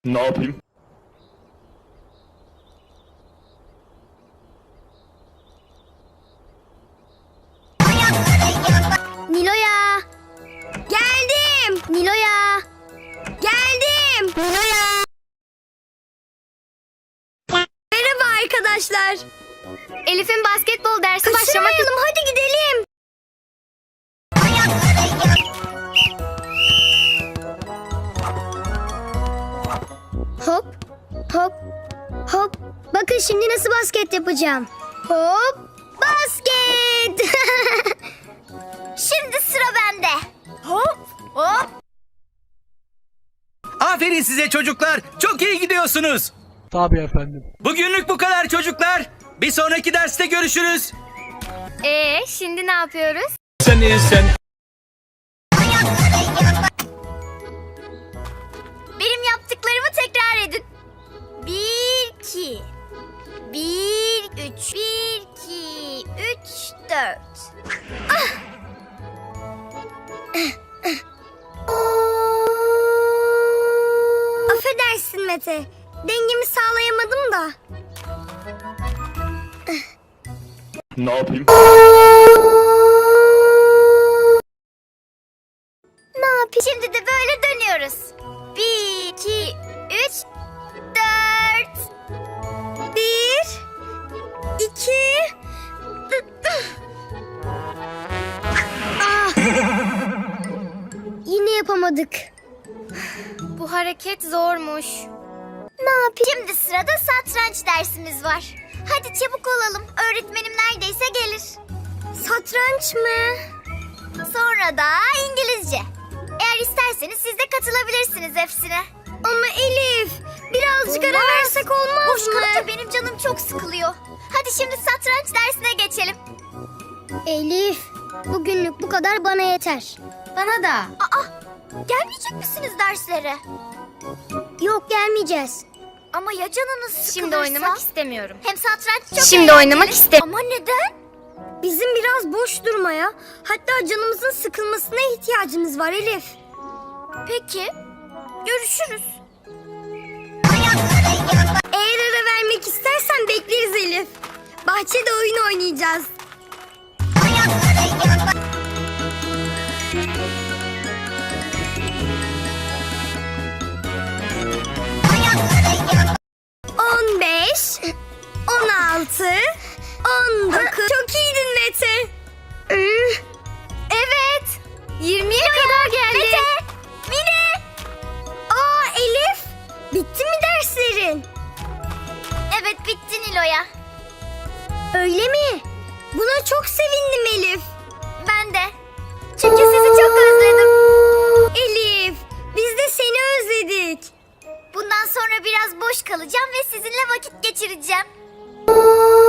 Ne yapayım? Nilo'ya. Geldim. Nilo'ya. Geldim. Nilo'ya. Merhaba arkadaşlar. Elif'in basketbol dersi başlamak Kaçırmayalım, hadi gidelim. Hop, hop, hop. Bakın şimdi nasıl basket yapacağım. Hop, basket. Şimdi sıra bende. Hop, hop. Aferin size çocuklar. Çok iyi gidiyorsunuz. Tabii efendim. Bugünlük bu kadar çocuklar. Bir sonraki derste görüşürüz. Şimdi ne yapıyoruz? Sen. Benim yaptıklarımı tekrar edin. 1, 2. 1, 3. 1, 2, 3, 4. Affedersin Mete. Dengemi sağlayamadım da. Ne yapayım? Ne yapayım? Şimdi de böyle dönüyoruz. 1, 2, 3, 4. 1, 2. Yine yapamadık. Bu hareket zormuş. Ne yapayım? Şimdi sırada satranç dersimiz var. Hadi çabuk olalım. Öğretmenim neredeyse gelir. Satranç mı? Sonra da İngilizce. Eğer isterseniz siz de katılabilirsiniz hepsine. Ama Elif, birazcık ara versek olmaz mı? Boş kalıp da benim canım çok sıkılıyor. Hadi şimdi satranç dersine geçelim. Elif, bugünlük bu kadar bana yeter. Bana da. Aa, gelmeyecek misiniz derslere? Yok, gelmeyeceğiz. Ama ya canınız sıkılırsa? Şimdi oynamak istemiyorum. Hem satranç çok Şimdi eğlenceli. oynamak istemiyorum. Ama neden? Bizim biraz boş durmaya, hatta canımızın sıkılmasına ihtiyacımız var Elif. Peki, görüşürüz. Eğer ara vermek istersen bekleriz Elif. Bahçede oyun oynayacağız. On beş, 16, 19. Çok iyiydin Mete. Evet. 20'ye kadar geldi. Mete, Mine. Aa Elif, bitti mi derslerin? Evet bitti Nilo'ya. Öyle mi? Buna çok sevindim Elif. Ben de. Çünkü sizi çok özledim. Elif, biz de seni özledik. Bundan sonra biraz boş kalacağım ve sizinle vakit geçireceğim.